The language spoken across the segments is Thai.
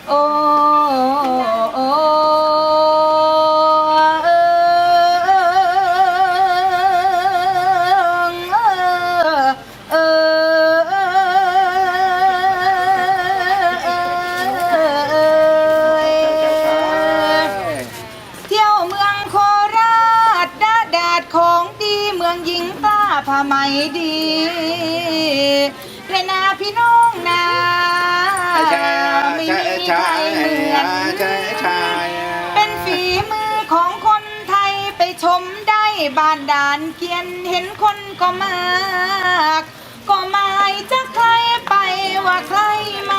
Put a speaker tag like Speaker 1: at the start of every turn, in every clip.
Speaker 1: โอ้โอ้เอเที่ยวเมืองโคราชแดดของดีเมืองหญิงกล้าผ้าไหมดีและนาพี่น้องนาไม่มีใครเหมือนเป็นฝีมือของคนไทยไปชมได้บ้านด่านเกียนเห็นคนก็มากก็หมายจะใครไปว่าใครมา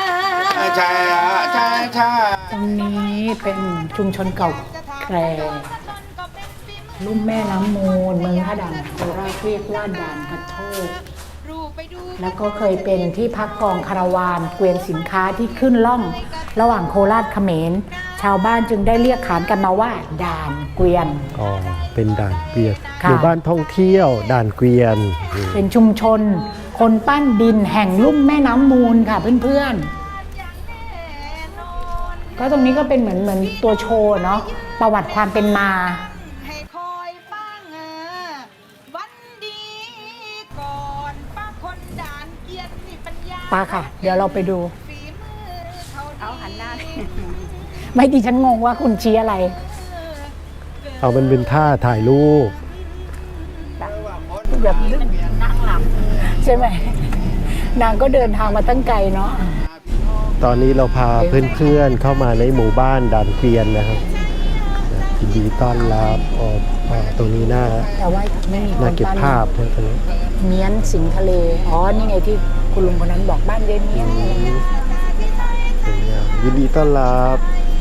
Speaker 2: ตรงนี้เป็นชุมชนเก่าแก่ลุ่มแม่น้ำมูลเมืองท่าด่านโคราชเรียกว่าด่านกระโทกแล้วก็เคยเป็นที่พักกองคาราวานเกวียนสินค้าที่ขึ้นล่องระหว่างโคราชเขมรชาวบ้านจึงได้เรียกขานกันมาว่าด่านเกวียน
Speaker 3: อ๋อเป็นด่านเกวียนหมู่บ้านท่องเที่ยวด่านเกวียน
Speaker 2: เป็นชุมชนคนปั้นดินแห่งลุ่มแม่น้ำมูลค่ะเพื่อนๆก็ตรงนี้ก็เป็นเหมือนตัวโชว์เนาะประวัติความเป็นมาป้าค่ะเดี๋ยวเราไปดู
Speaker 1: เอาหันหน้า
Speaker 2: ไม่ดิฉันงงว่าคุณชี้อะไร
Speaker 3: เอามันเป็นท่าถ่ายรูป
Speaker 2: แบบนั่งหลับใช่ไหมนางก็เดินทางมาตั้งไกลเนาะ
Speaker 3: ตอนนี้เราพาเพื่อนๆเข้ามาในหมู่บ้านด่านเกวียนนะครับยินดีต้อนรับตรงนี้
Speaker 2: แต่ว่าไม่มี
Speaker 3: น่าเก็บภาพใช่ไหม
Speaker 2: เมียนสิงทะเลอ๋อนี่ไงที่คุณลุงคนนั้นบอกบ้านเย็นเมียน
Speaker 3: ยินดีต้อนรับ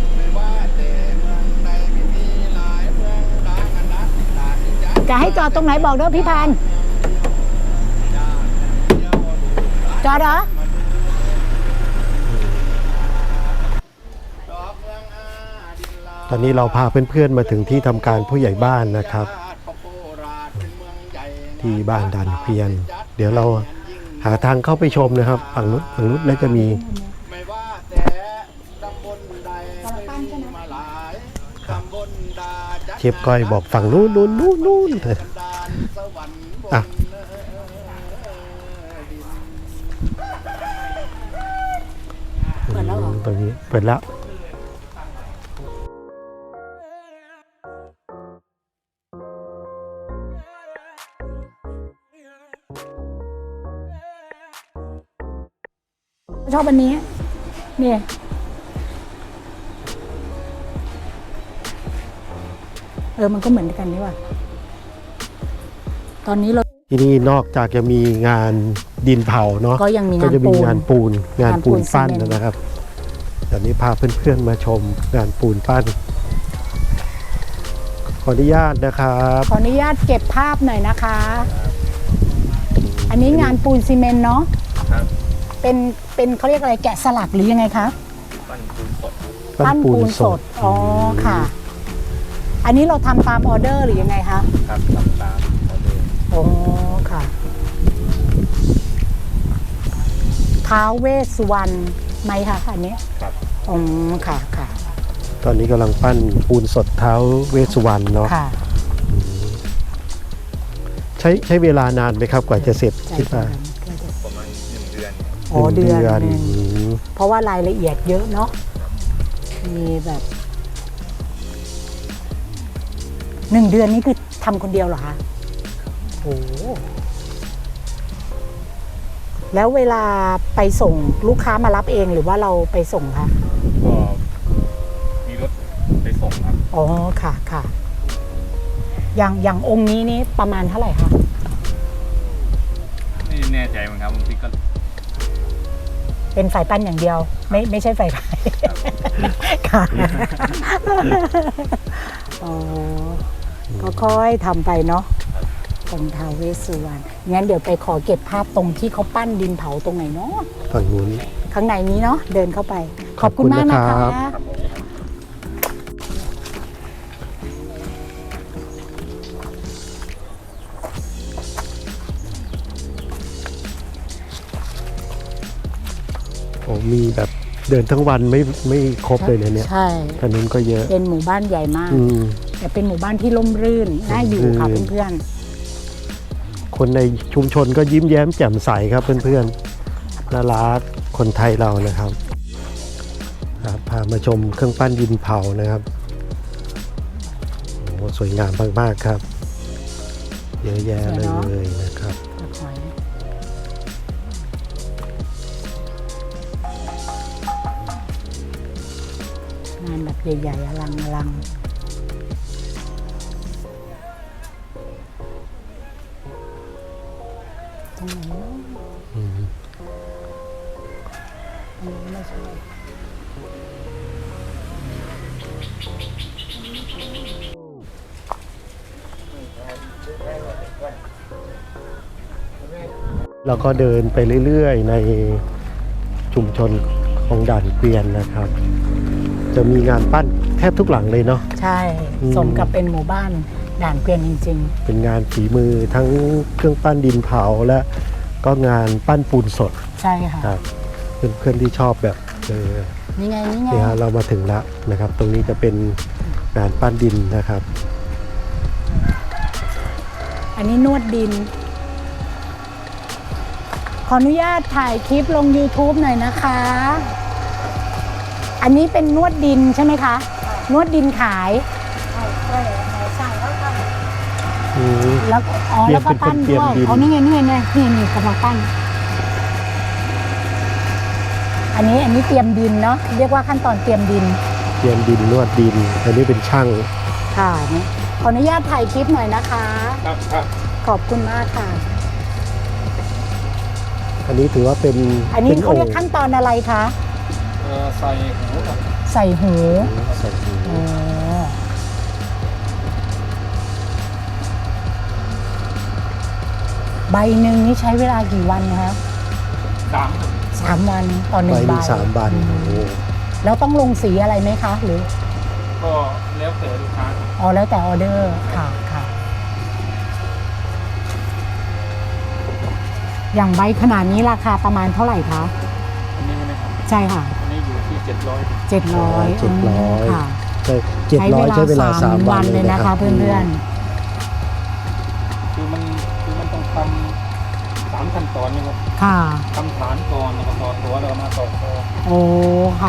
Speaker 2: จะให้จอดตรงไหนบอกด้วยพี่พานจอดเหรอ
Speaker 3: ตอนนี้เราพาเพื่อนๆมาถึงที่ทำการผู้ใหญ่บ้านนะครับที่บ้านด่านเกวียนเดี๋ยวเราหาทางเข้าไปชมนะครับฝั่งนู้นแล้วจะมีเชฟก้อยบอกฝั่งนู้นอ่ะ
Speaker 2: เปิดแล้วเหรอ
Speaker 3: ตรงนี้เปิดแล้ว
Speaker 2: ชอบอันนี้เนี่ยมันก็เหมือนกันนี่ว่ะตอนนี้เรา
Speaker 3: ที่นี่นอกจากจะมีงานดินเผาเนาะ
Speaker 2: ก็ยังมี
Speaker 3: งานปูนปั้นนะครับเดี๋ยวนี้พาเพื่อนๆมาชมงานปูนปั้นขออนุญาตนะครับ
Speaker 2: ขออนุญาตเก็บภาพหน่อยนะคะอันนี้งานปูนซีเมนต์เนาะเป็นเขาเรียกอะไรแกะสลักหรือยังไงคะปั้นปูนสดอ๋อค่ะอันนี้เราทำตามออเดอร์หรือยังไงคะ
Speaker 4: ครับทำตามออเดอร์
Speaker 2: อ๋อค่ะท้าวเวสสุวรรณไหมคะอันนี้
Speaker 4: ครับ
Speaker 2: อ๋อค่ะ
Speaker 3: ตอนนี้กำลังปั้นปูนสดท้าวเวสสุวรรณเนาะ
Speaker 2: ค่ะ
Speaker 3: ใช้เวลานานไหมครับกว่าจะเสร็จคิดว่า
Speaker 4: ประมาณ1 เดือน
Speaker 2: อ๋อเดือนเพราะว่ารายละเอียดเยอะเนาะมีแบบ1 เดือนนี้คือทำคนเดียวเหรอคะโอ้แล้วเวลาไปส่งลูกค้ามารับเองหรือว่าเราไปส่งคะ
Speaker 4: ก็มีรถไปส่งครับ
Speaker 2: อ๋อค่ะอย่างองค์นี้นี่ประมาณเท่าไหร่คะ
Speaker 4: ไม่แน่ใจเหมือนกันบางทีก็
Speaker 2: เป็นฝ่ายปั้นอย่างเดียวไม่ใช่ฝ่ายขายค่ะอ๋อก็ค่อยทำไปเนาะตรงท้าวเวสสุวรรณงั้นเดี๋ยวไปขอเก็บภาพตรงที่เขาปั้นดินเผาตรงไหนเนาะ
Speaker 3: ฝั่งนู้น
Speaker 2: ข้างในนี้เนาะเดินเข้าไปขอบคุณมากนะคะ
Speaker 3: โอ้มีแบบเดินทั้งวันไม่ครบเลยเนี่ย
Speaker 2: ใช่
Speaker 3: ถนนก็เยอะ
Speaker 2: เป็นหมู่บ้านใหญ่มาก
Speaker 3: อืม
Speaker 2: แต่เป็นหมู่บ้านที่ร่มรื่นน่าอยู่ค่ะ
Speaker 3: ร่มรื่น
Speaker 2: เพื่อน
Speaker 3: คนในชุมชนก็ยิ้มแย้มแจ่มใสครับเพื่อนๆน่ารักคนไทยเรานะครับครับพามาชมเครื่องปั้นดินเผานะครับโอ้สวยงามมากๆครับเยอะแยะเลยนะครับ
Speaker 2: ๆตะหอยงานแบบใหญ่ๆอลังตรงไหนเนาะ
Speaker 3: อืม
Speaker 2: อันนี้ไม่ใช่
Speaker 3: แล้วก็เดินไปเรื่อยๆในชุมชนของด่านเกวียนนะครับ จะมีงานปั้นแทบทุกหลังเลยเนาะ
Speaker 2: ใช่
Speaker 3: อืม
Speaker 2: สมกับเป็นหมู่บ้านด่านเกวียนจริง
Speaker 3: เป็นงานฝีมือทั้งเครื่องปั้นดินเผาและก็งานปั้นปูนสด
Speaker 2: ๆ ใช่ค่ะ
Speaker 3: ครับเพื่อนๆที่ชอบแบบ
Speaker 2: นี่ไง นี่ไง
Speaker 3: เนี่ยฮะเรามาถึงแล้วนะครับ ตรงนี้จะเป็นงานปั้นดินนะครับ
Speaker 2: อันนี้นวดดิน ขออนุญาตถ่ายคลิปลง YouTube หน่อยนะคะ อันนี้เป็นนวดดินใช่ไหมคะ นวดดินขาย
Speaker 3: อืม
Speaker 2: แล้วอ๋อ
Speaker 3: เตรียม
Speaker 2: แล้วก็ปั้น
Speaker 3: เป็นคนเตรีย
Speaker 2: ด้
Speaker 3: ม
Speaker 2: วย
Speaker 3: ดิน
Speaker 2: อ๋อนี่ไงนี่กำลังปั้น อันนี้เตรียมดินเนาะ เรียกว่าขั้นตอนเตรียมดิน
Speaker 3: เตรียมดินนวดดิน อันนี้เป็นช่าง
Speaker 2: ค่ะนี่ขออนุญาตถ่ายคลิปหน่อยนะคะ
Speaker 4: ครับครับ
Speaker 2: ขอบคุณมากค่ะ
Speaker 3: อันนี้ถือว่าเป็น
Speaker 2: อันนี้
Speaker 3: ป็
Speaker 2: เขาเรียกขั้นตอนอะไรคะ
Speaker 4: ใส่หูครับ
Speaker 2: ใส่หู
Speaker 3: ใส่หู
Speaker 2: อ๋อใบหนึ่งนี่ใช้เวลากี่วันคะ
Speaker 4: 3
Speaker 2: 3 วันต่อหนึ่
Speaker 3: ไป
Speaker 2: งใบ
Speaker 3: มี3 วันโอ้โห
Speaker 2: แล้วต้องลงสีอะไรไหมคะ หรือ
Speaker 4: ก็แล้วแต่ลูกค้าครับ
Speaker 2: อ๋อแล้วแต่ออเดอร์ค่ะค่ะ อย่างใบขนาดนี้ราคาประมาณเท่าไหร่คะ
Speaker 4: อันนี้ใช่ไหมครับ
Speaker 2: ใช่ค่ะ
Speaker 4: อันนี้อยู่ที่700
Speaker 2: 700
Speaker 3: 700
Speaker 2: ค่ะ
Speaker 3: ใช่700ใช้เวลา3 วัน
Speaker 2: เลยนะคะ เพื่อน
Speaker 4: คือมันต้องทำ3 ขั้นตอนนะครับ
Speaker 2: ๆค่ะ
Speaker 4: ทำฐานก่อนแล้วก็ต่อตัวแล้วก็มาต่อคอ
Speaker 2: โอ้ค่ะ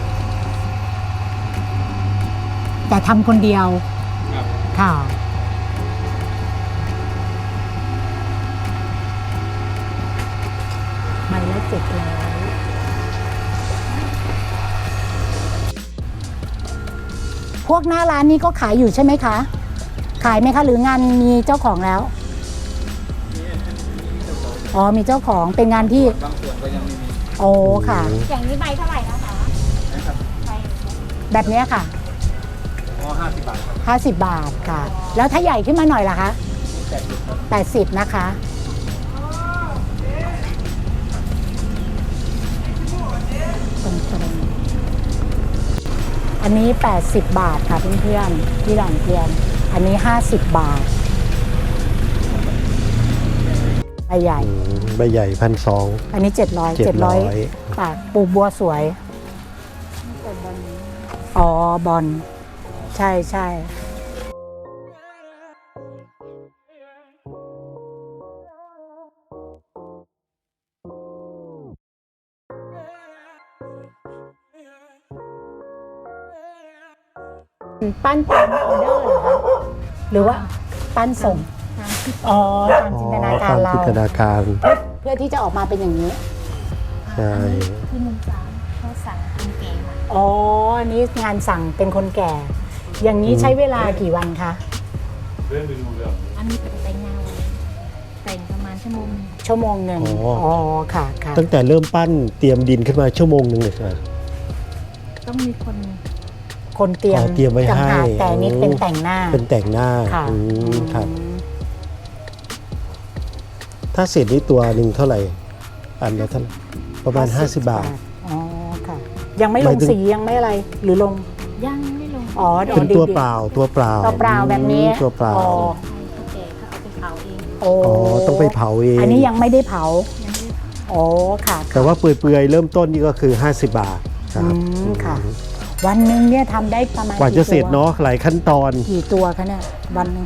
Speaker 2: แต่ทำคนเดียว
Speaker 4: ครับ
Speaker 2: ค่ะ ใบละ700พวกหน้าร้านนี้ก็ขายอยู่ใช่ไหมคะ ขายไหมคะ หรืองานมีเจ้าของแล้ว อ๋อ มีเจ้าของเป็นงานที่
Speaker 4: บางส่วนก็ยังไม่มี
Speaker 2: โอ้ค่ะ
Speaker 1: อย่างนี้ใบเท่าไหร่นะคะ
Speaker 4: นะครับ
Speaker 2: แบบเนี้ยค่ะ
Speaker 4: อ๋อ50 บาทครับ
Speaker 2: 50 บาทค่ะ แล้วถ้าใหญ่ขึ้นมาหน่อยล่ะคะ
Speaker 4: 80ครับ
Speaker 2: 80 นะคะตรงๆอันนี้ 80 บาทค่ะเพื่อนๆที่ด่านเกวียน อันนี้ 50 บาทใบใหญ่
Speaker 3: ใบใหญ่1,200
Speaker 2: อันนี้ 700บาทปลูกบัวสวย อ๋อบอลใช่ใช่ปั้นตามออเดอร์เหรอคะหรือว่าปั้นส่งอ๋อตามจินตนาการ
Speaker 3: ตาม
Speaker 2: เรา
Speaker 3: จินตนาการ
Speaker 2: เพื่อที่จะออกมาเป็นอย่างนี้
Speaker 3: ใช่
Speaker 1: ที่มุมสามเขาสั่งทำเก๋มา
Speaker 2: อ๋ออันนี้งานสั่งเป็นคนแก่ อย่างนี้ใช้เวลากี่วันคะ
Speaker 4: เรื่องไปดูเรื่อง
Speaker 1: อันนี้เป็นแต่งงานแต่งประมาณชั่วโมง
Speaker 2: ชั่วโมงหนึ่งอ๋อค่ะค่ะ
Speaker 3: ตั้งแต่เริ่มปั้นเตรียมดินขึ้นมาชั่วโมงหนึ่งเลยครับ
Speaker 1: ต้องมีคน
Speaker 2: คนเตรียม
Speaker 3: อ๋อเตรียมไว้ให้
Speaker 2: ต่างหากแต่อันนี้เป็นแต่งหน้า
Speaker 3: เป็นแต่งหน้า
Speaker 2: ค่ะ
Speaker 3: อืมครับ
Speaker 2: อืม
Speaker 3: ถ้าเสร็จนี่ตัวหนึ่งเท่าไหร่ อันละเท่าไหร่ประมาณ 50 บาท
Speaker 2: อ๋อค่ะ ยังไม่ล
Speaker 3: หมาง ยถึง
Speaker 2: สียังไม่อะไรหรือลง
Speaker 1: ยังไม่ลง
Speaker 2: อ๋อ
Speaker 3: เป็นตัวเปล่าตัวเปล่า
Speaker 2: ตัวเปล่าแบบนี้
Speaker 3: ตัวเปล่า
Speaker 2: อ๋อ
Speaker 1: เขาแก่เขาเอาไปเผาเอง
Speaker 2: โอ้
Speaker 3: อ๋อต้องไปเผาเอง
Speaker 2: อันนี้ยังไม่ได้เผา
Speaker 1: ยังไม่ได้เผา
Speaker 2: อ๋อค่ะ
Speaker 3: แต่ว่าเปื่อยๆเริ่มต้นนี่ก็คือ 50 บาทครับ
Speaker 2: ค่ะ วันหนึ่งเนี่ยทำได้ประมาณ
Speaker 3: กว่าจะเสร็จ
Speaker 2: กี่ตัว
Speaker 3: เนาะหลายขั้นตอน
Speaker 2: กี่ตัวคะเนี่ยวันหนึง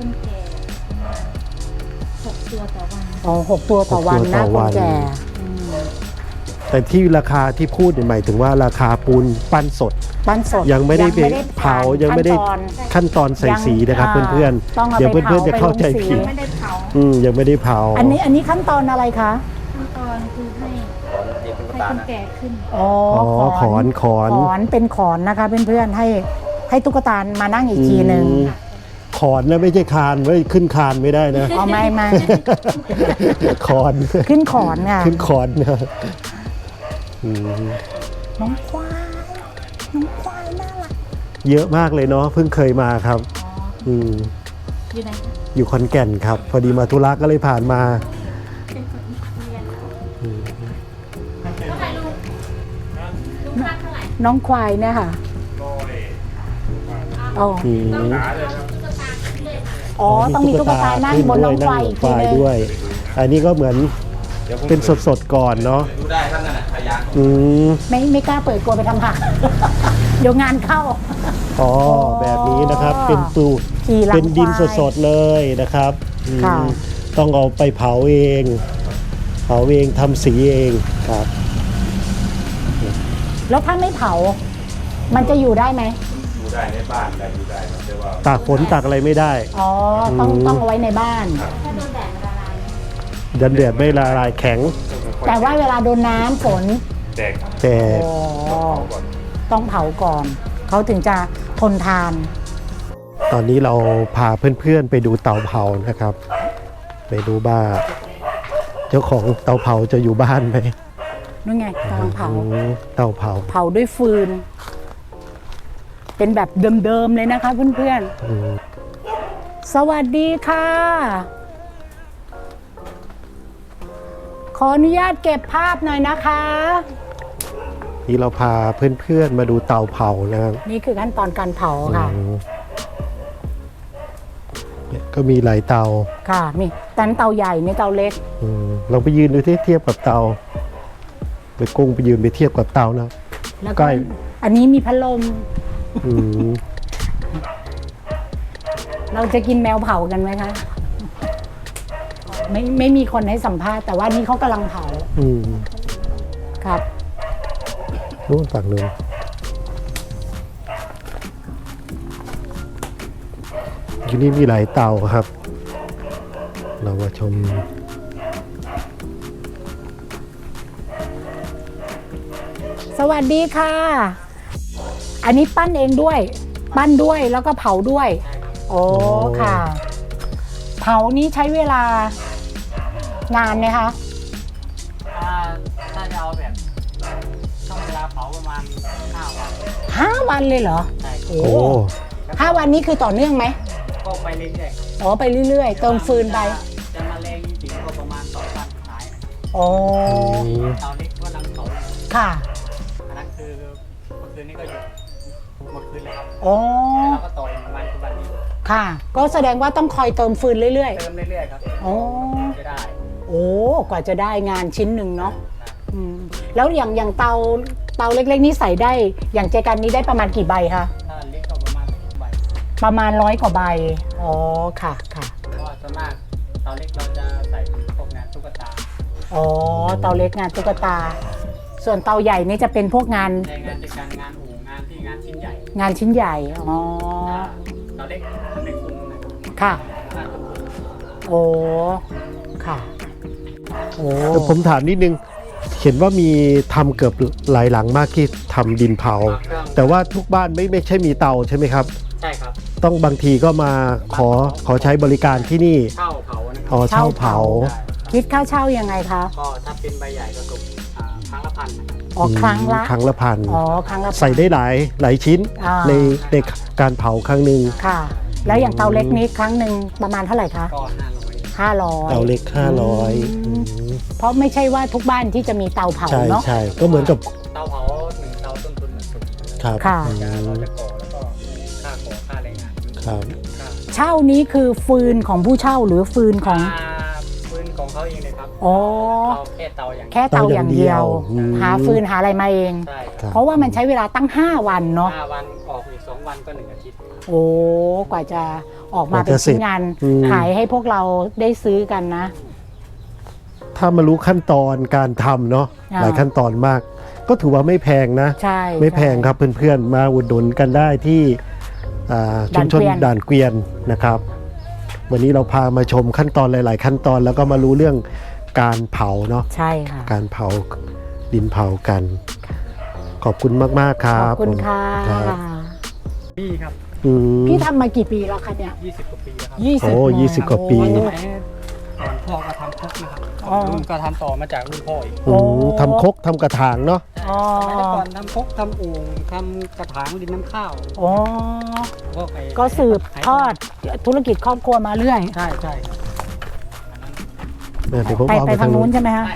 Speaker 1: 6 ตัวต่อวัน
Speaker 2: อ๋อ6 ตัวต่อวัน
Speaker 3: 6 ตัว
Speaker 2: นะ
Speaker 3: ต่อ
Speaker 2: ค
Speaker 3: วัน น
Speaker 2: แก่
Speaker 3: แต่ที่ราคาที่พูดเนี่ยหมายถึงว่าราคาปูนปั้นสด
Speaker 2: ปั้นสด
Speaker 3: ยังไม่ได้เผายังไม่ได้ ขั้นตอนใส่สีนะครับเพื่อน
Speaker 2: ต้อง
Speaker 3: ๆ
Speaker 2: เอา
Speaker 3: เดี๋ยว
Speaker 2: ไป
Speaker 3: เพื่อนๆจะเข้าใจ
Speaker 2: เผาไปลงสี
Speaker 3: ผิด
Speaker 1: ไม่ได้เผา
Speaker 3: ยังไม่ได้เผา
Speaker 2: อันนี้ขั้นตอนอะไรคะ
Speaker 1: ขั้นตอนคือให้คนแก่ขึ้น
Speaker 2: อ๋อ
Speaker 3: ขอน
Speaker 2: ขอนเป็นขอนนะคะเพื่อนๆให้ตุ๊กตามานั่งอีกทีหนึ่ง
Speaker 3: ขอนนะไม่ใช่คานไว้ขึ้นคานไม่ได้นะ
Speaker 2: อ๋อไม่
Speaker 3: ขอน
Speaker 2: ขึ้นขอนค่ะ
Speaker 3: ขึ้นขอนนะอืม
Speaker 2: น้องควายน่ารัก
Speaker 3: เยอะมากเลยเนาะเพิ่งเคยมาครับม
Speaker 1: อยู่ไหนคะ
Speaker 3: อยู่ขอนแก่นครับ พอดีมาธุระก็เลยผ่านมา
Speaker 2: น้องควายเนี่ยค่ะอ๋อ
Speaker 3: อืม
Speaker 2: อ๋อต้องมีตุ๊กตานั่งบนน้องควายอีกที
Speaker 3: นั่งบนควาย
Speaker 2: นึง
Speaker 3: ด้วย อันนี้ก็เหมือนเป็นสดๆก่อนเนาะ
Speaker 4: ดูได้ท่านนั่นแหละพยาน
Speaker 3: อืม
Speaker 2: ไม่กล้าเปิดกลัวไปทำหัก เดี๋ยวงานเข้า
Speaker 3: อ๋อแบบนี้นะครับ เป็นตู
Speaker 2: ขี่หลัง
Speaker 3: เป็นดิน
Speaker 2: ควาย
Speaker 3: สดๆเลยนะครับอืม
Speaker 2: ค่ะ
Speaker 3: ต้องเอาไปเผาเองทำสีเองครับ
Speaker 2: แล้วถ้าไม่เผา มันจะอยู่ได้ไหม
Speaker 4: ดูได้ในบ้านแต่ดูได้ครับแต่ว่า
Speaker 3: ตากฝนตากอะไรไม่ได้
Speaker 2: อ๋อต้องเอาไว้ในบ้าน
Speaker 3: ดันเดือดไม่ละลายแข็ง
Speaker 2: แต่ว่าเวลาโดนน้ำฝน
Speaker 4: แดกครับ
Speaker 3: แต่
Speaker 2: อ๋อ
Speaker 4: ก่อน
Speaker 2: ต้องเผาก่อน เขาถึงจะทนทาน
Speaker 3: ตอนนี้เราพาเพื่อนๆไปดูเตาเผานะครับ ไปดูว่าเจ้าของเตาเผาจะอยู่บ้านไหม
Speaker 2: นู่นไงกำลังเผา
Speaker 3: เตาเผา
Speaker 2: เผาด้วยฟืน เป็นแบบเดิมๆเลยนะคะเพื่อน
Speaker 3: อืม
Speaker 2: ๆ สวัสดีค่ะ ขออนุญาตเก็บภาพหน่อยนะคะ
Speaker 3: นี่เราพาเพื่อนๆมาดูเตาเผานะครับ
Speaker 2: นี่คือขั้นตอนการเผาค่ะ
Speaker 3: อืมเนี่ยก็มีหลายเตา
Speaker 2: ค่ะ มีแต่เตาใหญ่นี่เตาเล็ก
Speaker 3: ลองไปยืนดูที่เทียบกับเตา ไปกุ้งไปยืนไปเทียบกับเตานะ
Speaker 2: แล้ว
Speaker 3: ใก
Speaker 2: ก็
Speaker 3: ล้
Speaker 2: อันนี้มีพัดลม
Speaker 3: อืม
Speaker 2: เราจะกินแมวเผากันไหมคะ ไม่มีคนให้สัมภาษณ์แต่ว่านี่เขากำลังเผา
Speaker 3: อืม
Speaker 2: ครับ
Speaker 3: นู่นฝั่งนู้นที่นี่มีหลายเตาครับ เรามาชม
Speaker 2: สวัสดีค่ะ อันนี้ปั้นเองด้วย ปั้นด้วยแล้วก็เผาด้วย โอ้ค่ะ เผานี้ใช้เวลานานไหมคะ
Speaker 5: ถ้าจะเอาแบบต้องเวลาเผาประมาณ5 วัน
Speaker 2: 5 วันเลยเหรอ
Speaker 5: ใช่
Speaker 2: โอ้
Speaker 3: โอ้
Speaker 2: 5 วันนี้คือต่อเนื่องไหม
Speaker 5: ก็ไปเรื่อย
Speaker 2: อ๋อไปเรื่อย
Speaker 5: ๆ
Speaker 2: ๆ เติมฟืนไป
Speaker 5: จะมาแรงจริงๆก็ประมาณ2 วันสุดท้ายนะ
Speaker 2: อ๋อ
Speaker 5: เตาเล็กก็นั่งเผา
Speaker 2: ค่ะ
Speaker 5: อันนั้นคือเมื่อคืนนี้ก็หยุดหมดคืนเลยครับ
Speaker 2: อ๋อ
Speaker 5: แล้วเราก็ต่ออีกวันคือวันนี้
Speaker 2: ค่ะ ก็แสดงว่าต้องคอยเติมฟืนเรื่อย
Speaker 5: เติมเรื่อยๆครับ
Speaker 2: ๆ อ๋อ
Speaker 5: จะได้
Speaker 2: โอ้กว่าจะได้งานชิ้นหนึ่งเนาะอืมแล้วอย่างเตาเล็กๆนี่ใส่ได้ อย่างเจกันนี้ได้ประมาณกี่ใบคะ
Speaker 5: ถ้าเล็กก็ประมาณ10 ใบ
Speaker 2: ประมาณ100 กว่าใบ อ๋อ ค่ะ ค่ะ
Speaker 5: เพราะว่าส่วนมากเตาเล็กเราจะใส่พวกงานตุ๊กตา
Speaker 2: อ๋อ เตาเล็กงานตุ๊กตา ส่วนเตาใหญ่นี่จะเป็นพวกงาน
Speaker 5: ในงานจัดการงานอู่งานที่งานชิ้นใหญ่
Speaker 2: งานชิ้นใหญ่ อ๋อ
Speaker 5: เตาเล็กในกรุงนะครับ
Speaker 2: ค่ะ
Speaker 5: งานตุ๊กตา
Speaker 2: โอ้ ค่ะ โอ้
Speaker 3: แต่ผมถามนิดนึง เห็นว่ามีทำเกือบหลายหลังมากที่ทำดินเผา แต่ว่าทุกบ้านไม่ใช่มีเตาใช่ไหมครับ
Speaker 5: ใช่ครับ
Speaker 3: ต้องบางทีก็มาขอใช้บริการที่นี่
Speaker 5: เช่าเผานะค
Speaker 3: อ๋
Speaker 5: รั
Speaker 3: อเช่าเผา
Speaker 2: คิดค่าเช่ายังไงคะ
Speaker 5: ก็ถ้าเป็นใบใหญ่ก็ตกครั้งละ1,000นะครับ
Speaker 2: อ๋อ ครั้งละ
Speaker 3: ครั้งละพัน
Speaker 2: อ๋อ ครั้งละ
Speaker 3: ใส่ได้หลายชิ้น
Speaker 2: อ่า
Speaker 3: ในการเผาครั้งหนึ่ง
Speaker 2: ค่ะ แล้วอย่างเตาเล็กนี้ครั้งหนึ่งประมาณเท่าไหร่คะ
Speaker 5: ก็500
Speaker 2: 500
Speaker 3: เตาเล็ก
Speaker 2: เพราะไม่ใช่ว่าทุกบ้านที่จะมีเตาเผา
Speaker 3: 500ใช่
Speaker 2: เนาะ
Speaker 3: ใช่ก็เหมือนกับ
Speaker 5: เตาเผา1 เตาต้นทุนมันสูง
Speaker 3: ครับ
Speaker 2: ค่ะ
Speaker 5: เราจะก่อแล้วก็ค่าก่อค่าแรงงาน
Speaker 3: ครับ
Speaker 5: ค่า
Speaker 2: เช่านี้คือฟืนของผู้เช่าหรือฟืนของ
Speaker 5: ฟืนของเขาเองเลยครับ
Speaker 2: อ๋อ
Speaker 5: เราแค่เตาอย่างเดียว
Speaker 2: แค่เตาอย่างเดียว
Speaker 3: อืม
Speaker 2: หาฟืนหาอะไรมาเอง
Speaker 5: ใช่
Speaker 3: ครับ
Speaker 2: เพราะว่ามันใช้เวลาตั้ง 5 วันเนาะ
Speaker 5: 5 วันออกอีก2 วันก็1 อาทิตย์
Speaker 2: โอ้กว่าจะออกมาก
Speaker 3: ว่า
Speaker 2: เป็น
Speaker 3: จะเสร็
Speaker 2: ชิ้
Speaker 3: จ
Speaker 2: นงาน
Speaker 3: อืม
Speaker 2: ขายให้พวกเราได้ซื้อกันนะ
Speaker 3: ถ้ามารู้ขั้นตอนการทำเนาะ
Speaker 2: อ่า
Speaker 3: หลายขั้นตอนมาก ก็ถือว่าไม่แพงนะ
Speaker 2: ใช่
Speaker 3: ไม่แพงครับเพื่อนๆ มาอุดหนุนกันได้ที่ชุมชนด่านเกวียนนะครับ วันนี้เราพามาชมขั้นตอนหลายๆ ขั้นตอนแล้วก็มารู้เรื่องการเผาเนาะ
Speaker 2: ใช่ค่ะ
Speaker 3: การเผาดินเผากัน ขอบคุณมากๆครั
Speaker 2: ข
Speaker 3: บ
Speaker 2: อบคุณค่ะ
Speaker 3: ครับ
Speaker 5: พี่ครับ
Speaker 3: อืม
Speaker 2: พี่ทำมากี่ปีแล้วคะเนี่ย
Speaker 5: 20 กว่าปีแล้วครับ
Speaker 2: 20
Speaker 3: โอ้20 กว่าปี
Speaker 2: โอ้
Speaker 5: สมัยก่อนพ่อก็ทำครกนะครับ
Speaker 2: อ๋อ
Speaker 5: รุ่นก็ทำต่อมาจากรุ่นพ่ออีก
Speaker 3: อืมทำครกทำกระถางเนาะ
Speaker 2: อ๋อ
Speaker 5: สมัยก่อนทำครกทำโอ่งทำกระถางดินน้ำข้าว
Speaker 2: อ๋อ
Speaker 5: พวไอ้
Speaker 2: ก็สืบทอดธุรกิจครอบครัวมาเรื่อย
Speaker 5: ใช่ใช่
Speaker 3: เดี๋ยวผม
Speaker 2: ไป
Speaker 3: เอา
Speaker 2: ไป
Speaker 3: ไป
Speaker 2: ทางนู้นใช่ไหมฮะ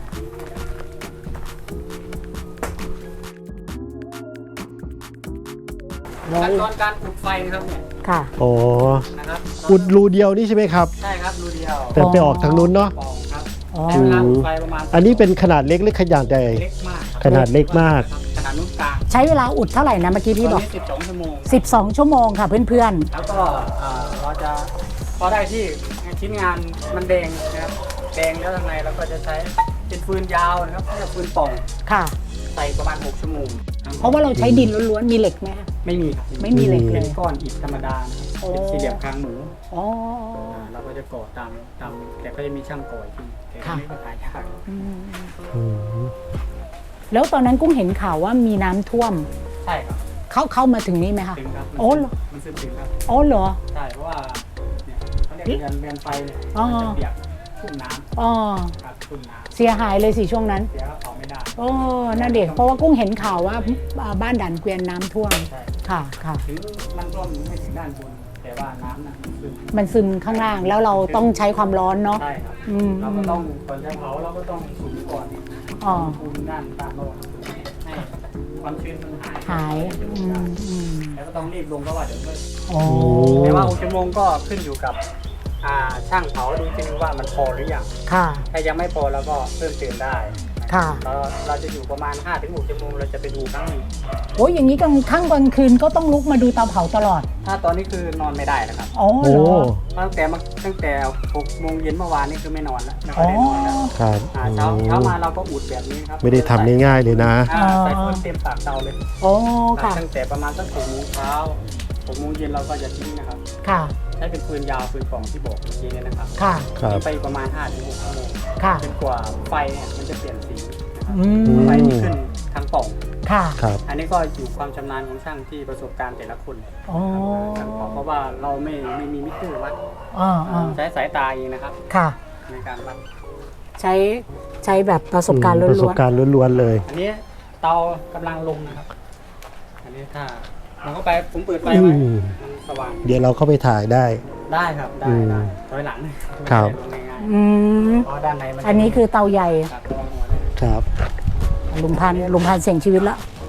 Speaker 5: ขั้นตอนการอุดไฟนะครับเนี่ย
Speaker 2: ค่ะ
Speaker 3: อ๋อ
Speaker 5: นะครับ
Speaker 3: อุดรูเดียวนี่ใช่ไหมครับ
Speaker 5: ใช่ครับรูเดียว
Speaker 3: แต่ไปออกทางนู้นเนาะ
Speaker 5: ปองครับ
Speaker 2: อ๋อ
Speaker 5: ใช้เวลาอุดไฟประมาณ
Speaker 3: อันนี้เป็นขนาดเล็กหรือขนาดใหญ่
Speaker 5: เล็กมากครับ
Speaker 3: ขนาดเล็กมาก
Speaker 5: ขนาดนุ่นกลาง
Speaker 2: ใช้เวลาอุดเท่าไหร่นะเมื่อกี้พี่บอก
Speaker 5: ตนนี้12 ชั่วโมง
Speaker 2: 12 ชั่วโมงค่ะเพื่อน
Speaker 5: แล้วก็เราจะพอได้ที่ชิ้นงานมันแดงนะครับแดงแล้วทางในเราก็จะใช้เป็นฟืนยาวนะครับเรียกฟืนป่อง
Speaker 2: ๆ ค่ะ
Speaker 5: ใส่ประมาณ6 ชั่วโมง
Speaker 2: เพราะว่าเราใช้ดินล้วนๆ มีเหล็กไหมฮะ
Speaker 5: ไม่มีครับ
Speaker 2: ไม่มีเหล็กเล
Speaker 5: เป็น
Speaker 2: ย
Speaker 5: ก้อนอิฐธรรมดานะครับ
Speaker 2: โอ้
Speaker 5: เป็นสี่เหลี่ยมคางหมู
Speaker 2: อ๋อ
Speaker 5: เราก็จะก่อตามแต่ก็จะมีช่างก่ออีกทีแต่
Speaker 2: ค่ะ
Speaker 5: ไม่เป็นหายาก
Speaker 2: อืม
Speaker 3: อืม
Speaker 2: แล้วตอนนั้นกุ้งเห็นข่าวว่ามีน้ำท่วม
Speaker 5: ใช่ครับ
Speaker 2: เข้ามาถึงนี่ไหมคะ
Speaker 5: ถึงครับ
Speaker 2: โอ้เหรอ
Speaker 5: มันซึมถึงครับ
Speaker 2: อ๋อเหรอ
Speaker 5: ใช่เพราะว่าเนี่ยเขาเรียกเรือนไฟเนี่ย
Speaker 2: อ๋อ
Speaker 5: มันจะเปียกชุ่มน้
Speaker 2: อ๋อ
Speaker 5: ำครับชุ่มน้
Speaker 2: เสียหายเลยสิช่วงนั้น
Speaker 5: ำเสียก็เผาไม่ได้
Speaker 2: โอ้น่าเด็กเพราะว่ากุ้งเห็นข่าวว่าบ้านด่านเกวียนน้ำท่วม
Speaker 5: ใช่
Speaker 2: ค่ะค่ะ
Speaker 5: ถึงมันท่วมไม่ถึงด้านบน แต่ว่าน้ำน่ะมันซึม
Speaker 2: มันซึมข้างล่างแล้วเราต้องใช้ความร้อนเนาะ
Speaker 5: ใช่ครับ
Speaker 2: อืม
Speaker 5: เราก็ต้องก่อนจะเผาเราก็ต้องสูบก่อน
Speaker 2: อ๋อ
Speaker 5: คูณด้านตามโลกให้ความชื้นมันหาย
Speaker 2: หายอืม
Speaker 5: แล้วก็ต้องรีบลงเพราะว่าเดี๋ยวเมื่อ
Speaker 2: อ๋อ
Speaker 5: แต่ว่า6 ชั่วโมงก็ขึ้นอยู่กับช่างเผาดูจริงว่ามันพอหรือยัง
Speaker 2: ค่ะ
Speaker 5: ถ้ายังไม่พอเราก็เพิ่มเติมได้
Speaker 2: ค่ะ
Speaker 5: เราจะอยู่ประมาณ 5-6 ชั่วโมงเราจะไปดูครั้งหนึ่ง
Speaker 2: โอ้ยอย่างนี้กลางคืนก็ต้องลุกมาดูเตาเผาตลอด
Speaker 5: ถ้าตอนนี้คือนอนไม่ได้นะครับ
Speaker 2: อ๋อ
Speaker 3: โอ้
Speaker 2: เหรอ
Speaker 5: ตั้งแต่6 โมงเย็นเมื่อวานนี่คือไม่นอนแล้วไม่ค่
Speaker 2: อ๋
Speaker 5: อ
Speaker 2: อย
Speaker 5: ได้นอนแล้ว
Speaker 3: ครับ
Speaker 5: เช้ามาเราก็อุดแบบนี้ครับ
Speaker 3: ไม่ได้ทำง่ายๆเลยนะ
Speaker 5: ใส่ฟืนเต็มปากเตาเลย
Speaker 2: โอ้ค่ะ
Speaker 5: ตั้งแต่ประมาณสัก6 โมงเช้า6 โมงเย็นเราก็จะทิ้งนะครับ
Speaker 2: ค่ะ
Speaker 5: ใช้เป็นฟืนยาวฟืนป่องที่บอกเมื่อกี้เนี่ยนะครับ
Speaker 2: ค่ะ
Speaker 3: ครับ
Speaker 5: ทิ้งไปประมาณ 5-6 ชั่วโมง
Speaker 2: ค่ะ
Speaker 5: จนกว่าไฟเนี่ยมันจะเปลี่ยนสีนะครับ
Speaker 2: อืม
Speaker 5: ไฟที่ขึ้นทางป่อง
Speaker 2: ค่ะ
Speaker 3: ครับ
Speaker 5: อันนี้ก็อยู่ความชำนาญของช่างที่ประสบการณ์แต่ละคน
Speaker 2: อ๋อ
Speaker 5: ครับเพราะว่าเราไม่มีมิเตอร์วัด
Speaker 2: อ๋อ
Speaker 5: ใช้สายตาเองนะครับ
Speaker 2: ค่ะ
Speaker 5: ในการวัด
Speaker 2: ใช้แบบประสบการณ์ล้
Speaker 3: ประสบ
Speaker 2: วน
Speaker 3: การณ์ล้วนๆเลย
Speaker 5: อันนี้เตากำลังลงนะครับ อันนี้ถ้าผมก็ไปผมเปิดไฟ
Speaker 3: อื
Speaker 5: ไว้
Speaker 3: ม
Speaker 5: มันสว่าง
Speaker 3: เดี๋ยวเราเข้าไปถ่ายได้
Speaker 5: ได้ครับได้
Speaker 3: อืม
Speaker 5: ได้ถอยหลัง
Speaker 3: ครับ
Speaker 5: ลงง่าย
Speaker 2: ๆอืม
Speaker 5: ๆเพราะด้านในมัน
Speaker 2: อันนี้คือเตาใหญ่
Speaker 5: ครับระวังหัวด้วย
Speaker 3: ครับ
Speaker 2: ลุงพันเสี่ยงชีวิตละ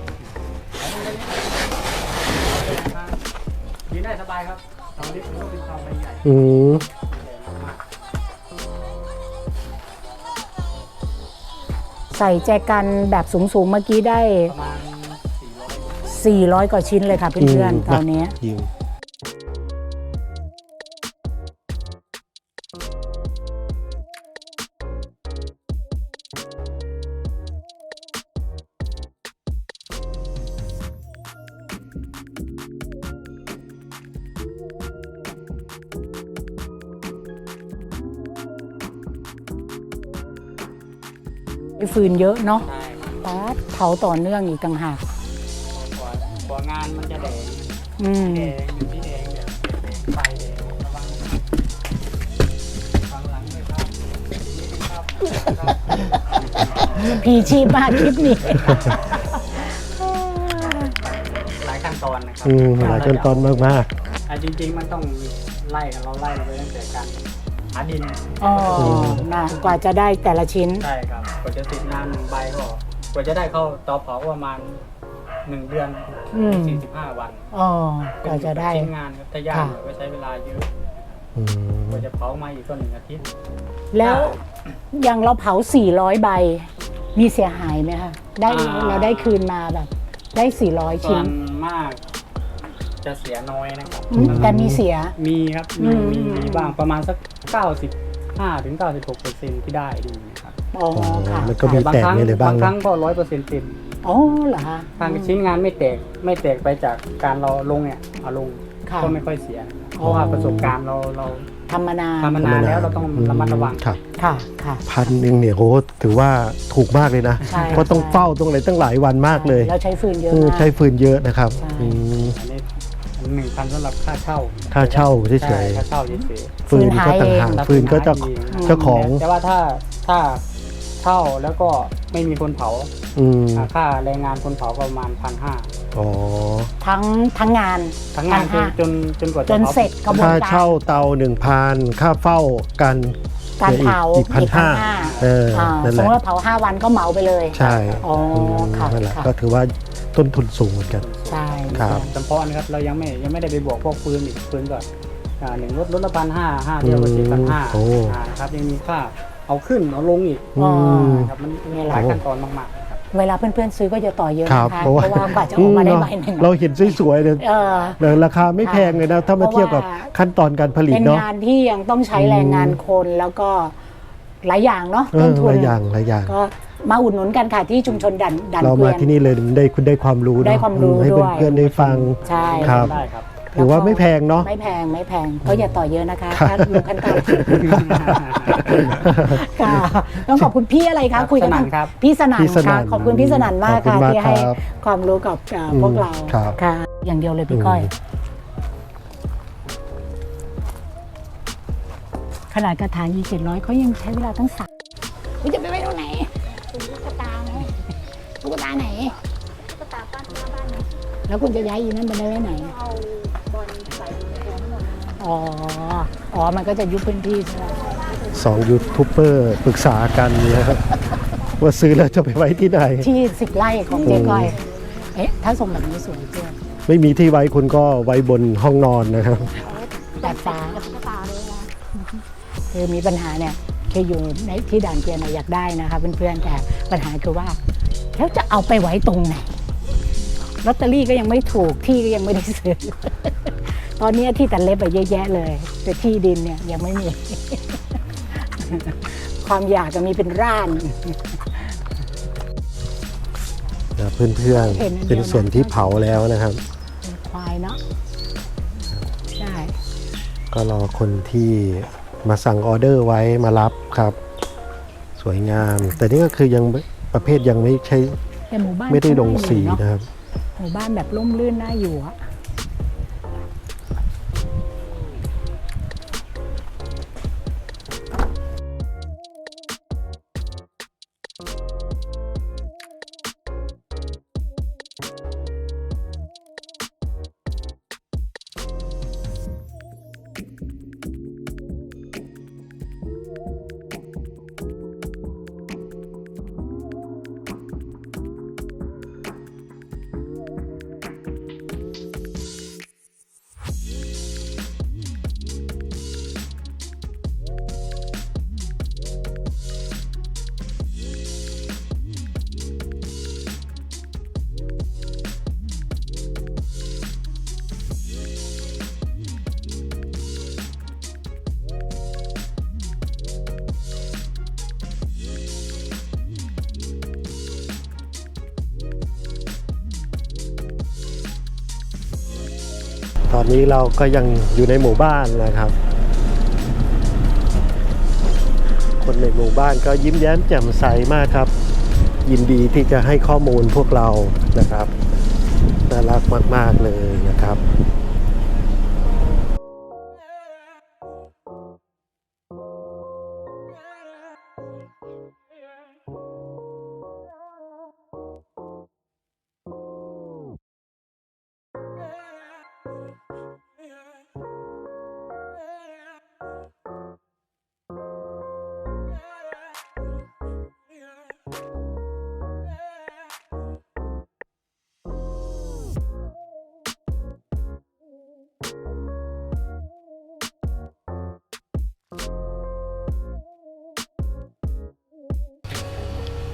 Speaker 5: ยืนได้สบายครับเตาเล็กมันก็เป็นเตาใบใหญ่
Speaker 3: อืม
Speaker 5: ใหญ่มาก
Speaker 2: ใส่แจกันแบบสูงๆเมื่อกี้ได้
Speaker 5: ประมาณ400
Speaker 2: 400 กว่าชิ้นเลยค่ะเพื่อนๆเตานี้
Speaker 3: ยิง
Speaker 2: ฟืนเยอะเนาะ
Speaker 5: ใช่ครับ
Speaker 2: ป๊าดเผาต่อเนื่องอีกต่างหาก
Speaker 5: กว่างานมันจะแดง
Speaker 2: อืม
Speaker 5: แดงอยู่ที่แดงเนี่ยไฟแดงระวังฟังหลังด้วยครับนี่ครับ
Speaker 2: พีชีพมากคลิปนี้
Speaker 5: หลายขั้นตอนนะครั
Speaker 3: อืมหลายขั้นตอนมาก
Speaker 5: จริงๆมันต้องไล่กันเราไล่ไปตั้งแต่การหาดิน
Speaker 2: อ๋อนะกว่าจะได้แต่ละชิ้น
Speaker 5: ใช่ครับกว่าจะติดน้ำ1 ใบก็กว่าจะได้เข้าเตาเผาก็ประมาณ1 เดือน
Speaker 2: อืม
Speaker 5: 45 วัน
Speaker 2: อ๋อกว่าจะได้
Speaker 5: ชิ้นงานครับถ้ายากหน่อยก็ใช้เวลาเยอะ
Speaker 3: อืม
Speaker 5: ก็จะเผามาอีกก็1 อาทิตย์
Speaker 2: แล้วอย่างเราเผา400 ใบ มีเสียหายไหมคะได้เราได้คืนมาแบบได้400
Speaker 5: ส่
Speaker 2: ชิ้
Speaker 5: วน นมากจะเสียน้อยนะครับ
Speaker 2: แต่มีเสีย
Speaker 5: มีครับ
Speaker 2: อืม
Speaker 5: มีบ้างประมาณสัก 95-96%ที่ได้ดีนะครับ
Speaker 2: อ๋อค่ะ
Speaker 3: มันก็มีแตกมีอะไรบ้าง
Speaker 5: บางครั้ง
Speaker 3: เนาะ
Speaker 5: ก็100%เต็ม
Speaker 2: อ๋อเหรอคะ
Speaker 5: ทางชิ้นงานไม่แตกไปจากการเราลงเนี่ยเอาลง
Speaker 2: ค่ะ
Speaker 5: ก็ไม่ค่อยเสีย เพ
Speaker 2: อ๋อ
Speaker 5: ราะว่าประสบการณ์เรา
Speaker 2: ทำมานาน
Speaker 5: ทำมานานแล้วเราต้องระมัดระวัง
Speaker 3: ครับ
Speaker 2: ค่ะค่ะ
Speaker 3: 1,000เนี่ยโหถือว่าถูกมากเลยนะ
Speaker 2: ใช่
Speaker 3: เพราะต้องเฝ้าต้องอะไรตั้งหลายวันมากเลย
Speaker 2: แล้วใช้ฟืนเยอะ
Speaker 3: เออ
Speaker 2: มาก
Speaker 3: ใช้ฟืนเยอะนะครับ
Speaker 2: ใช่
Speaker 3: อืม
Speaker 5: อันนี้1,000สำหรับค่าเช่า
Speaker 3: ค่าเช่าเฉยๆ
Speaker 5: ใช่ค่าเช่าเฉย
Speaker 3: ฟืนก็ต่างหาก
Speaker 5: ๆ
Speaker 3: ฟืนก็จะ
Speaker 5: ห
Speaker 3: เจ้าของ
Speaker 5: แต่ว่าถ้าเช่าแล้วก็ไม่มีคนเผา
Speaker 3: อืม
Speaker 5: ค่าแรงงานคนเผาประมาณ 1,500
Speaker 3: อ๋อ
Speaker 2: ทั้งงาน
Speaker 5: ทั้งงาน
Speaker 2: 1,500
Speaker 5: จนกว่า
Speaker 2: จน
Speaker 5: ผา
Speaker 2: เสร็จกระบวน
Speaker 3: ค่า
Speaker 2: การ
Speaker 3: เช่าเตา 1,000 ค่าเฝ้ากัน
Speaker 2: การเผา
Speaker 3: อีก
Speaker 2: 1,500
Speaker 3: เออนั่น
Speaker 2: ส
Speaker 3: แห
Speaker 2: ม
Speaker 3: ละ
Speaker 2: มติว่าเผา5 วันก็เหมาไปเลย
Speaker 3: ใช่
Speaker 2: อ๋อค่ะ
Speaker 3: นั่นแหละ
Speaker 2: ค่ะ
Speaker 3: ก็ถือว่าต้นทุนสูงเหมือนกัน
Speaker 2: ใช่
Speaker 3: ครับ
Speaker 5: จำเพาะนะครับเรายังไม่ได้ไปบวกพวกปืนอีกปืนก่อนหนึ่งรถละ1,500 5เดียวก็7,500
Speaker 3: โอ้
Speaker 5: ครับยังมีค่าเอาขึ้นเอาลงอีก
Speaker 2: อ๋อ
Speaker 5: ครับมัน
Speaker 2: นี่แหละ
Speaker 5: หลายขั้นตอนมากๆครับ
Speaker 2: เวลาเพื่อนๆซื้อก็จะต่อเยอะ
Speaker 3: ครับ
Speaker 2: นะคะ
Speaker 3: เพราะว่า
Speaker 2: กว่าจะออกมาได้ใบหนึ่ง
Speaker 3: เราเห็นสวยๆเลย
Speaker 2: เออ
Speaker 3: แต่ราคาไม่แพงเลยนะ ถ้ามาเทียบกับขั้นตอนการผลิต
Speaker 2: เป็น
Speaker 3: เนาะ
Speaker 2: งานที่ยังต้องใช้แรงงานคนแล้วก็หลายอย่างเนาะ
Speaker 3: เอ
Speaker 2: ต้
Speaker 3: อน
Speaker 2: ทุ
Speaker 3: ห
Speaker 2: น
Speaker 3: ลายอย่างหลายอย่าง
Speaker 2: ก็มาอุดหนุนกันค่ะที่ชุมชนดัน
Speaker 3: เรา
Speaker 2: เกวี
Speaker 3: มาย
Speaker 2: น
Speaker 3: ที่นี่เลยคุณได้ความรู้เนอะ
Speaker 2: ได้ความรู้
Speaker 3: ให้
Speaker 2: ด้วย
Speaker 3: เพื่อนๆได้ฟัง
Speaker 2: ใช่
Speaker 3: ครับ
Speaker 5: ได้ครับ
Speaker 3: ถือว่าไม่แพงเนาะ
Speaker 2: ไม่แพงก็อย่าต่อเยอะนะคะ
Speaker 3: ครับ
Speaker 2: ถ้ารู้ขั้นตอนค่ะต้องขอบคุณพี่อะไร
Speaker 5: ครั
Speaker 2: คะ
Speaker 5: บ
Speaker 2: คุยกัน
Speaker 5: สนั่นครับ
Speaker 2: พี่สนั่น
Speaker 3: พี่สนั่
Speaker 2: ค่ะ
Speaker 3: น
Speaker 2: ขอบคุณพี่สนั่นมาก
Speaker 3: ขอบ
Speaker 2: ค่ะ
Speaker 3: คุณมาก
Speaker 2: ที่ให้
Speaker 3: ครับ
Speaker 2: ความรู้กับพวกเรา
Speaker 3: ครับ
Speaker 2: ค่ะ อย่างเดียวเลยพี่ก้อย ขนาดกระถาง700เขายังใช้เวลาตั้ง3จะไปไว้ตรงไหนตุ๊กตาไหนตุ๊กตาไหนตุ๊กตาบ้านไหนแล้วคุณจะย้ายอีนั่นไปไว้ไหนเอาบอลใส่อ๋อมันก็จะยุบพื้นที่ใช่ไหม
Speaker 3: 2 ยูทูบเบอร์ปรึกษากันนะครับว่าซื้อแล้วจะไปไว้ที่ไหน
Speaker 2: ที่10 ไร่ของเจ๊ก้อยเอ๊ะถ้าส่งแบบนี้สวยเจ๊
Speaker 3: ไม่มีที่ไว้คุณก็ไว้บนห้องนอนนะครับ
Speaker 2: ดาดฟ้าคือมีปัญหาเนี่ยคืออยู่ในที่ด่านเกวียนอยากได้นะคะเพื่อนๆแต่ปัญหาคือว่าแล้วจะเอาไปไว้ตรงไหนลอตเตอรี่ก็ยังไม่ถูกที่ก็ยังไม่ได้ซื้อ ตอนนี้ที่ตัดเล็บไปเยอะแยะเลย แต่ที่ดินเนี่ยยังไม่มี ความอยากจะมีเป็นร่าน
Speaker 3: เพื่อนๆเป็นส่วนที่เผาแล้วนะครับ
Speaker 2: เป็นควายเนาะใช่
Speaker 3: ก็รอคนที่มาสั่งออเดอร์ไว้มารับครับ สวยงาม แต่นี่ก็คือยังประเภทยังไม่ใช่
Speaker 2: แต่หมู่บ้าน
Speaker 3: ไม่ได้ลงสี
Speaker 2: เนาะ
Speaker 3: นะครับ
Speaker 2: หมู่บ้านแบบร่มรื่นน่าอยู่อะ
Speaker 3: ตอนนี้เราก็ยังอยู่ในหมู่บ้านนะครับ คนในหมู่บ้านก็ยิ้มแย้มแจ่มใสมากครับ ยินดีที่จะให้ข้อมูลพวกเรานะครับน่ารักมากๆเลยนะครับ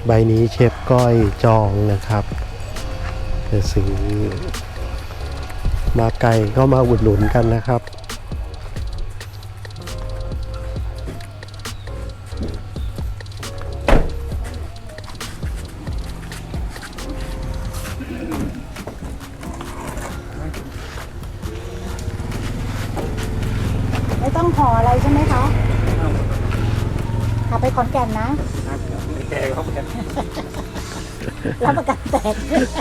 Speaker 3: ใบนี้เชฟก้อยจองนะครับจะซื้อมาไกลก็มาอุดหนุนกันนะครับ
Speaker 2: ไม่ต้องห่ออะไรใช่ไหมคะขับไปขอนแก่นนะ
Speaker 5: ไม่แก่ครับกัน
Speaker 2: รับประกันแตก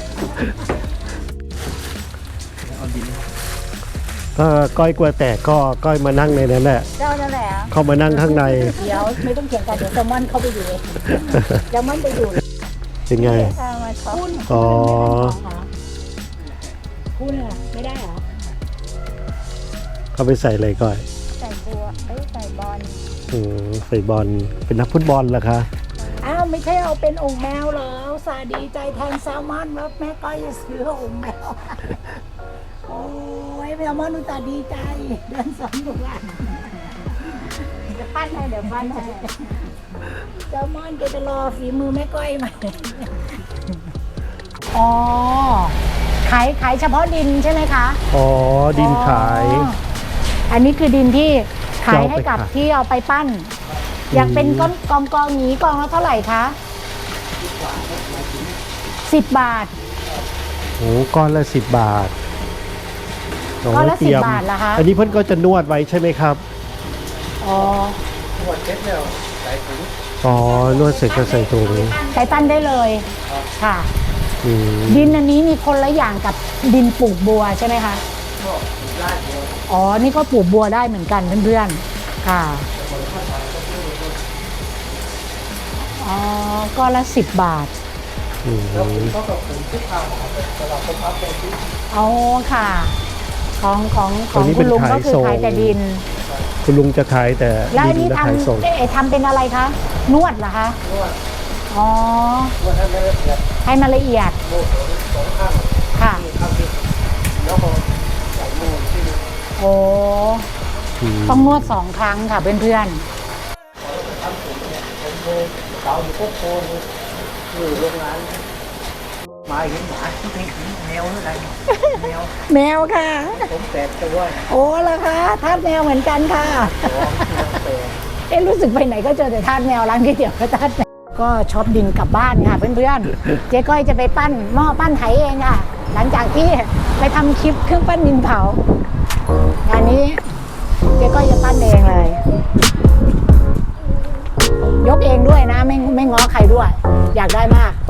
Speaker 5: เอาดิน
Speaker 3: ก็ก้อยกลัวแตกก็ก้อยมานั่งในนั้นแหละ
Speaker 2: เจ้านั่นแหละ
Speaker 3: เข้ามานั่งข้างใน
Speaker 2: เดี๋ยวไม่ต้องเถียงกันเดี๋ยวแซลมอนเข้าไปอยู่เองแซลมอนไปอยู่
Speaker 3: เป็นไง
Speaker 2: มาช็อปคุณ
Speaker 3: อ๋อ
Speaker 2: คุณอะไม่ได้เหรอ
Speaker 3: เขาไปใส่อะไรก่อน
Speaker 2: ใส่บัวใส่บอล
Speaker 3: ใส่บอลเป็นนักฟุตบอลเหรอคะ
Speaker 2: อ้าวไม่ใช่เอาเป็นองค์แมวเหรอสาดีใจแทนแซลมอนว่าแม่ก้อยจะซื้อองค์แมวโอ้ยแซลมอนอุตส่าห์ดีใจเดินสองทุกวันจะปั้นให้เดี๋ยวปั้นให้แซลมอนแกจะรอฝีมือแม่ก้อยไหมอ๋อขายเฉพาะดินใช่ไหมคะ
Speaker 3: อ๋อดินขาย
Speaker 2: อ๋ออันนี้คือดินที่ขายให้กับ
Speaker 3: จะเอาไปขาย
Speaker 2: ที่เอาไปปั้น อยากเป็นก้อนกองนี้กองละเท่าไหร่คะ10 บาท
Speaker 3: โอ้ก้อนละ10 บาท
Speaker 2: ก้อนละ
Speaker 3: เตรียม
Speaker 2: 10 บาทเหรอคะ
Speaker 3: อันนี้เพิ่นก็จะนวดไว้ใช่ไหมครับ
Speaker 2: อ๋อ
Speaker 5: หมดเช็ดแล้วใส่ถุง
Speaker 3: อ๋อนวดเสร็จก็ใส่ถุง
Speaker 2: ใช้ปั้นได้เลยค่ะ
Speaker 3: อืม
Speaker 2: ดินอันนี้มีคนละอย่างกับดินปลูกบัวใช่ไหมคะ
Speaker 5: ก็ลาดบัว
Speaker 2: อ๋อนี่ก็ปลูกบัวได้เหมือนกันเพื่อนๆค่ะอ๋อก้อนละ10 บาท
Speaker 3: อืม
Speaker 5: แล้วผมก็กับผมที่ข้าวสำหรับผมเอาไปที่
Speaker 2: อ๋อค่ะ ของ
Speaker 3: ตัวนี้
Speaker 2: คุ
Speaker 3: เป็น
Speaker 2: ณลุง
Speaker 3: ขา
Speaker 2: ก็
Speaker 3: ย
Speaker 2: คือ
Speaker 3: ส่ง
Speaker 2: ขายแต่ดิน
Speaker 3: คุณลุงจะขายแต่
Speaker 2: แล้วอัน
Speaker 3: ดิ
Speaker 2: นี้
Speaker 3: นและ
Speaker 2: ท
Speaker 3: ขายส่ง
Speaker 2: ำทำเป็นอะไรคะ นวดเหรอคะ
Speaker 5: นวด
Speaker 2: อ๋อ
Speaker 5: นวดให้ไม่ละเอียด
Speaker 2: ให้มันละเอียด
Speaker 5: โม่สองข้าง
Speaker 2: ค่ะ
Speaker 5: ข้างที่แล้วก็ใส่โม่ที่นี่
Speaker 2: โอ้ ต้องนวด2 ครั้งค่ะเพื่อน
Speaker 5: ทำผมเนี่ยผมเลยเสาอยู่โคกโคนอยู่โรงงานมาเห็นหมาที่เป็นแมวอะไรแมว
Speaker 2: ๆ แมวค่ะ
Speaker 5: ผมแตกตัว
Speaker 2: โอ้ละคะทาสแมวเหมือนกันค่ะ
Speaker 5: แตก
Speaker 2: รู้สึกไปไหนก็เจอแต่ทาสแมวร้านก๋วยเตี๋ยวก็ทาสแมวก็ช็อปดินกลับบ้านค่ะเพื่อนๆ เจ๊ก้อยจะไปปั้นหม้อปั้นไหเองค่ะ หลังจากที่ไปทำคลิปเครื่องปั้นดินเผางานนี้เจ๊ก้อยจะปั้นเองเลย ยกเองด้วยนะไม่ง้อใครด้วย อยากได้มาก